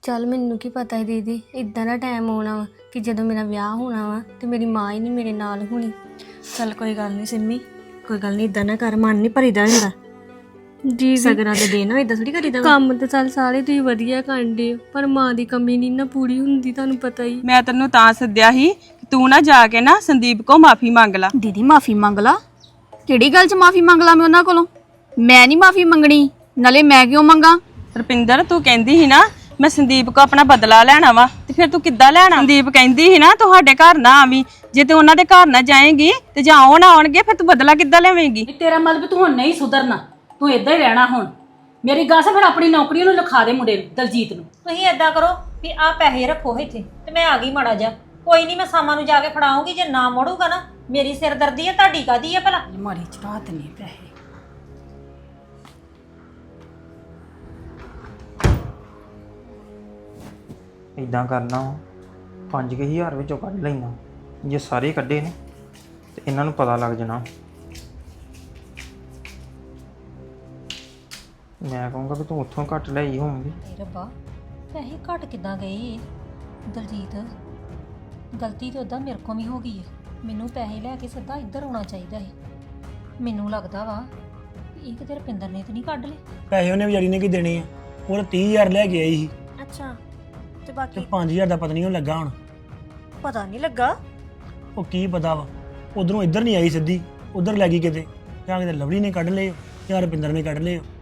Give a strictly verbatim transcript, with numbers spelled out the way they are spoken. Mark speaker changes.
Speaker 1: ਚੱਲ ਮੈਨੂੰ ਕੀ ਪਤਾ ਹੈ ਦੀਦੀ, ਇਦਾਂ ਦਾ ਟਾਈਮ ਆਉਣਾ ਵਾ ਕਿ ਜਦੋਂ ਮੇਰਾ ਵਿਆਹ ਹੋਣਾ ਵਾ ਤੇ ਮੇਰੀ ਮਾਂ ਹੀ ਨਹੀਂ ਮੇਰੇ ਨਾਲ ਹੋਣੀ।
Speaker 2: ਚੱਲ ਕੋਈ ਗੱਲ ਨਹੀਂ ਸਿੰਮੀ, ਕੋਈ ਗੱਲ ਨਹੀਂ, ਇਦਾਂ ਨਾ ਕਰ, ਮਨ ਨਹੀਂ ਭਰੀਦਾ ਹੁੰਦਾ।
Speaker 1: ਜੀ
Speaker 2: ਸਗਰਾਂ ਦੇ ਦੇਣਾ ਇਦਾਂ ਥੋੜੀ ਕਰੀਦਾ।
Speaker 1: ਕੰਮ ਤੇ ਚੱਲ ਸਾਰੇ ਤੁਸੀਂ ਵਧੀਆ ਕਰਦੇ ਹੋ, ਪਰ ਮਾਂ ਦੀ ਕਮੀ ਨਹੀਂ ਨਾ ਪੂਰੀ ਹੁੰਦੀ, ਤੁਹਾਨੂੰ ਪਤਾ ਹੀ।
Speaker 3: ਮੈਂ ਤੈਨੂੰ ਤਾਂ ਸੱਦਿਆ ਸੀ ਕਿ ਤੂੰ ਨਾ ਜਾ ਕੇ ਨਾ ਸੰਦੀਪ ਕੋ ਮਾਫੀ ਮੰਗ ਲਾ।
Speaker 4: ਦੀਦੀ ਮਾਫੀ ਮੰਗ ਲਾ? ਕਿਹੜੀ ਗੱਲ 'ਚ ਮਾਫੀ ਮੰਗ ਲਾ ਮੈਂ ਉਹਨਾਂ ਕੋਲੋਂ? ਮੈਂ ਨਹੀਂ ਮਾਫੀ ਮੰਗਣੀ, ਨਾਲੇ ਮੈਂ ਕਿਉਂ ਮੰਗਾ?
Speaker 3: ਰੁਪਿੰਦਰ ਤੂੰ ਕਹਿੰਦੀ ਸੀ ਨਾ ਮੈਂ ਸੰਦੀਪ ਕੋ ਆਪਣਾ ਬਦਲਾ ਲੈਣਾ ਵਾ, ਤੇ ਫਿਰ ਤੂੰ ਕਿੱਦਾਂ ਲੈਣਾ? ਸੰਦੀਪ ਕਹਿੰਦੀ ਸੀ ਨਾ ਤੁਹਾਡੇ ਘਰ ਨਾ ਆਵੀਂ, ਜੇ ਤੂੰ ਉਹਨਾਂ ਦੇ ਘਰ ਨਾ ਜਾਏਂਗੀ ਤੇ ਜਾਂ ਉਹ ਨਾ ਆਉਣਗੇ ਫਿਰ ਤੂੰ ਬਦਲਾ ਕਿੱਦਾਂ ਲਵੇਂਗੀ?
Speaker 5: ਤੇਰਾ ਮਤਲਬ ਤੂੰ ਹੁਣ ਨਹੀਂ ਸੁਧਰਨਾ, ਤੂੰ ਇਦਾਂ ਹੀ ਰਹਿਣਾ ਹੁਣ। ਮੇਰੀ ਗੱਲ ਸੁਣ, ਫਿਰ ਆਪਣੀ ਨੌਕਰੀ ਨੂੰ ਲਿਖਾ ਦੇ ਮੁੰਡੇ ਨੂੰ, ਦਲਜੀਤ ਨੂੰ।
Speaker 6: ਤੁਸੀਂ ਏਦਾਂ ਕਰੋ ਵੀ ਆ ਪੈਸੇ ਰੱਖੋ ਇੱਥੇ ਤੇ ਮੈਂ ਆ ਗਈ ਮਾੜਾ ਜਾ, ਕੋਈ ਨਹੀਂ ਮੈਂ ਸਾਮਾਂ ਨੂੰ ਜਾ ਕੇ ਫੜਾਉਂਗੀ। ਜੇ ਨਾ ਮੋੜੂਗਾ ਨਾ ਮੇਰੀ ਸਿਰਦਰਦੀ ਹੈ, ਤੁਹਾਡੀ ਕਾਦੀ ਹੈ ਭਲਾ?
Speaker 5: ਮਾਰੀ ਚੜਾਤ ਨਹੀਂ ਪੈਸੇ।
Speaker 7: ਇਦਾਂ ਕਰਨਾ ਪੰਜ ਕੁ ਹਜ਼ਾਰ ਵਿੱਚੋਂ ਕੱਢ ਲੈਣਾ, ਜੇ ਸਾਰੇ ਕੱਢੇ ਨੇ ਤੇ ਇਹਨਾਂ ਨੂੰ ਪਤਾ ਲੱਗ ਜਾਣਾ। ਮੈਂ ਕਹੂੰਗਾ ਕਿ ਤੂੰ ਉੱਥੋਂ ਘੱਟ ਲਈ ਹੋਊਗੀ।
Speaker 6: ਏ ਰੱਬਾ, ਪੈਸੇ ਘਟ ਕਿੱਦਾਂ ਗਏ? ਦਲਜੀਤ, ਗਲਤੀ ਤਾਂ ਉਦਾਂ ਮੇਰੇ ਕੋਲ ਵੀ ਹੋ ਗਈ ਹੈ। ਮੈਨੂੰ ਪੈਸੇ ਲੈ ਕੇ ਸਿੱਧਾ ਇੱਧਰ ਆਉਣਾ ਚਾਹੀਦਾ ਹੈ। ਮੈਨੂੰ ਲੱਗਦਾ ਵਾ ਵੀ ਇਹ ਕਿਤੇ ਰੁਪਿੰਦਰ ਨੇ ਤਾਂ ਨਹੀਂ ਕੱਢ ਲਏ
Speaker 8: ਪੈਸੇ। ਉਹਨੇ ਵਿਚਾਰੀ ਨੇ ਕੀ ਦੇਣੇ ਆ? ਉਹ ਤਾਂ ਤੀਹ ਹਜ਼ਾਰ ਲੈ ਕੇ ਆਈ ਸੀ
Speaker 2: ਅੱਛਾ, ਤੇ
Speaker 8: ਤੇ
Speaker 2: ਬਾਕੀ
Speaker 8: ਪੰਜ ਹਜ਼ਾਰ ਦਾ ਪਤਾ ਨਹੀਂ ਉਹ ਲੱਗਾ ਹੁਣ।
Speaker 2: ਪਤਾ ਨਹੀਂ ਲੱਗਾ।
Speaker 8: ਉਹ ਕੀ ਪਤਾ ਵਾ, ਉਧਰੋਂ ਇੱਧਰ ਨਹੀਂ ਆਈ ਸਿੱਧੀ, ਉਧਰ ਲੈ ਗਈ ਕਿਤੇ, ਜਾਂ ਕਿਤੇ ਲਵਲੀ ਨੇ ਕੱਢ ਲਏ ਜਾਂ ਰੁਪਿੰਦਰ ਨੇ ਕੱਢ ਲਏ।